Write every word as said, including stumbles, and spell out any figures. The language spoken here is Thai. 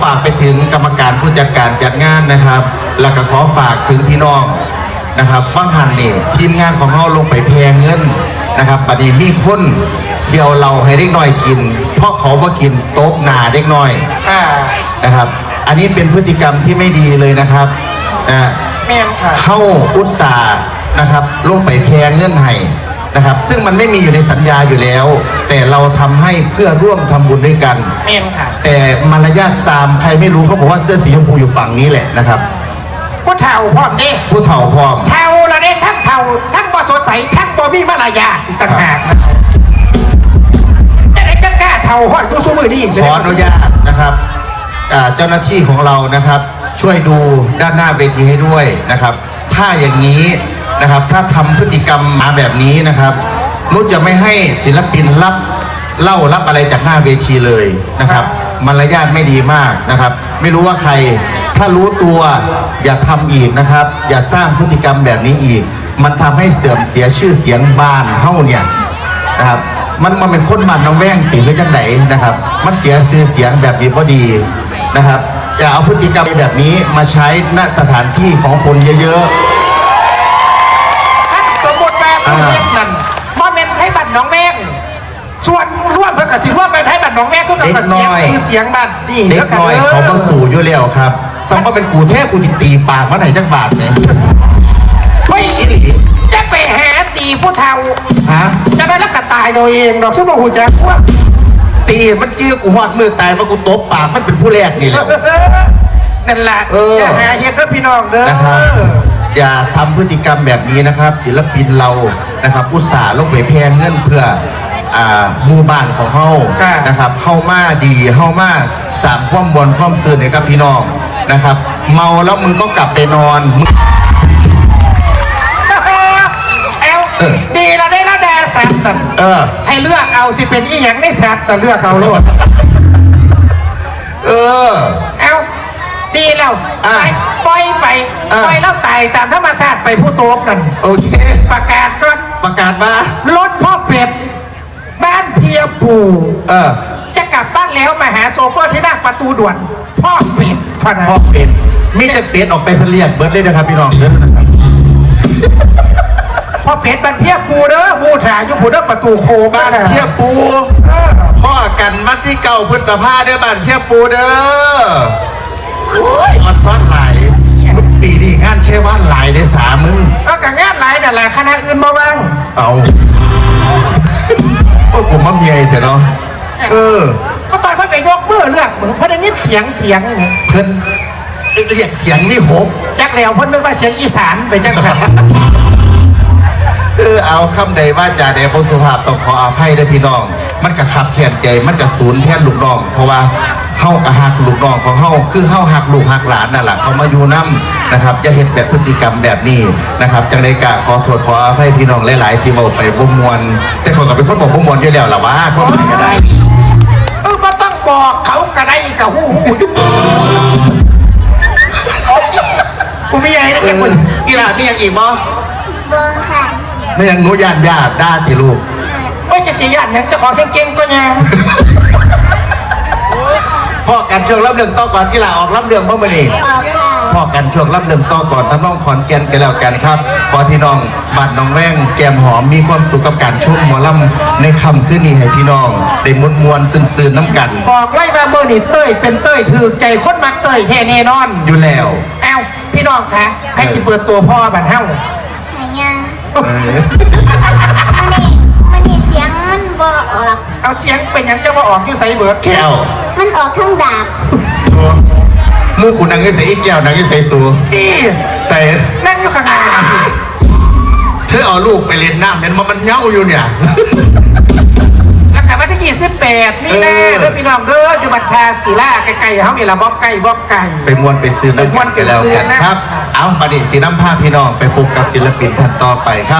ฝากไปถึงกรรมการผู้จัดการจัดงานนะครับแล้วก็ขอฝากถึงพี่น้องนะครับบ้างหันนี่ทีมงานของเราลงไปแพงเงินนะครับบัดนี้มีคนเสี่ยวเราให้เด็กน้อยกินเพราะเขาบ่กินโต๊ะหนาเด็กน้อยนะครับอันนี้เป็นพฤติกรรมที่ไม่ดีเลยนะครับนะเข้าอุตสาห์นะครับลงไปแพงเงินให้นะครับซึ่งมันไม่มีอยู่ในสัญญาอยู่แล้วแต่เราทำให้เพื่อร่วมทำบุญด้วยกันแต่มารยาทซามใครไม่รู้เขาบอกว่าเสื้อสีชมพูอยู่ฝั่งนี้แหละนะครับผู้เฒ่าพร้อมดิผู้เฒ่าพร้อมเฒ่าละเนี่ยทั้งเฒ่าทั้งบ่สดใสทั้งบ่มีมารยาทต่างหากจะได้กล้าเฒ่าฮอดกูสู้มือดีขออนุญาตนะครับเจ้าหน้าที่ของเรานะครับช่วยดูด้านหน้าเวทีให้ด้วยนะครับถ้าอย่างนี้นะครับถ้าทำพฤติกรรมมาแบบนี้นะครับนุชจะไม่ให้ศิลปินรับเล่ารับอะไรจากหน้าเวทีเลยนะครับมารยาทไม่ดีมากนะครับไม่รู้ว่าใครถ้ารู้ตัวอย่าทำอีกนะครับอย่าสร้างพฤติกรรมแบบนี้อีกมันทำให้เสื่อมเสียชื่อเสียงบ้านเฮ้าเนี่ยนะครับมันมันเป็นคนบ้านน้องแว่งตีไว้จังไหนนะครับมันเสียชื่อเสียงแบบนี้พอดีนะครับอย่าเอาพฤติกรรมแบบนี้มาใช้ณสถานที่ของคนเยอะๆสมมติแบบนี้นั่นมาเป็นให้บัตรน้องแม่งส่วนร่วมเพื่อกสิร่วมเป็นให้บัตรน้องแม่ก็กับเสียงคือเสียงบัตรดีเด็กน้อยเขาก็สู่อยู่แล้วครับสัมก็เป็นกูแท้กูติตีปากมาไหนจักบาทเนี่ยไม่จะไปหาตีผู้เฒ่าฮะจะได้รักกระตายตัวเองดอกซึ่งมาหูจักว่าตีมันเจือกูหอดมือตายมากูตบปากมันเป็นผู้แรกนี่แหละนั่นแหละอย่าหาเหตุกับพี่น้องเด้อนะครับอย่าทำพฤติกรรมแบบนี้นะครับศิลปินเรานะครับอุตส่าห์ลงไปแพงเงินเพื่ออ่าหมู่บ้านของเฮานะครับเฮามาดีเฮามาสามความบนความซื่อเนี่ยกับพี่น้องนะครับเมาแล้วมึงก็กลับไปนอนเอลดีเราได้แล้วแดดสัตว์เออให้เลือกเอาสิเป็นอีหยังได้สัตว์แต่เลือกเอาโลดเออเอลดีแล้วปล่อยไปปล่อยแล้วตายตามธรรมชาติไปผู้โตกันโอเคประกาศก่อนประกาศมารถพ่อเป็ดบ้านเพียปูเออจะกลับบ้านแล้วมาหาโซเฟอร์ที่หน้าประตูด่วนพ่อเป็ดพ่อเป็ดมีแต่เป็ดออกไปเพลียเบิร์ดเลยนะครับพี่น้องเด้อนะครับพ่อเป็ดบ้านเพียปูเด้อมูถ่ายอยู่ผู้เด้อประตูโคบ้านเพียปูพ่อกันมัดที่เก่าพุทธภาเด้อบ้านเพียปูเด้อโอ้ยมันซ้อนหลายมึงปีดีงานเชื่อว่าหลายได้สามมึงก็กับงานหลายแต่ละคณะอื่นมาบ้างเอาพวกผมมั่มใหญ่เถอะเนาะเออก็ตอนเพิ่นไปยกมือเลือกเหมือนเพิ่นได้ยินเสียงเสียงเพิ่นเรียกเสียงนี่หกจักแล้วเพิ่นนึกว่าเสียงอีสานไปจังสันเออเอาคำใดว่าจ่าเดชสุภาพต้องขออภัยด้วยพี่น้องมันกระขับแขนใจมันกระสูญแทนลูกน้องเพราะว่าเฮากระหักลูกน้องของเฮาคือเฮาหักลูกหักหลานนั่นแหละเขามาอยู่น้ำนะครับจะเห็นแบบพฤติกรรมแบบนี้นะครับจังได้กะขอโทษขออภัยพี่น้องหลายๆที่บอกไปบ่มวนแต่คนก็เป็นคนบอกบ่มวนอยู่แล้วล่ะว่าเขาไม่ได้เออมาต้องบอกเขากระไดกระหูหูกูไม่ใหญ่นะแกมึงกีฬามีอย่างอีกบ่บ่ค่ะไม่ยังหนูญาติญาติด้าที่ลูกว่าจะเสียญาติเนี่ยจะขอเก่งๆก็ยังพ่อกันช่วงรับเรื่องต่อก่อนกีฬาออกรับเรื่องพ่อมาดีพ่อกันช่วงรับเรื่องต่อก่อนทั้งน้องขอนแก่นกันแล้วกันครับขอพี่น้องบ้านน้องแว่งแก้มหอมมีความสุขกับการชมหมอลำในคำขึ้นนี้ให้พี่น้องได้มุดมวลซึนๆน้ำกันบอกไล่มาเบอร์นี่เต้ยเป็นเต้ยถือใจคนมักเต้ยแท้แน่นอนอยู่แล้วเอ้าพี่น้องคะให้จิเปิดตัวพ่อบันเท่าไหนยังมันนี่มันนี่เสียงมันบ่ออกเอาเสียงเป็นยังจะมาออกอยู่ใส่เบิร์ดแก้วมันออกทั้งดาบมูขุนนางใส่อีกแก้วนางใส่สูอีใส่นั่งอยู่ข้างหน้าเธอเอาลูกไปเล่นน้ำเห็นมันมันเน่าอยู่เนี่ยแล้วกลับมาที่ยี่สิบแปดนี่แน่เด้อพี่น้องเด้ออยู่บัตรทาศิลาไก่ๆเขามีละบอกไก่บอกไก่ไปมวนไปซื้อน้ำมันกันแล้วกันครับเอาประเดี๋ยวสีน้ำผ้าพี่น้องไปพบกับศิลปินท่านต่อไปครับ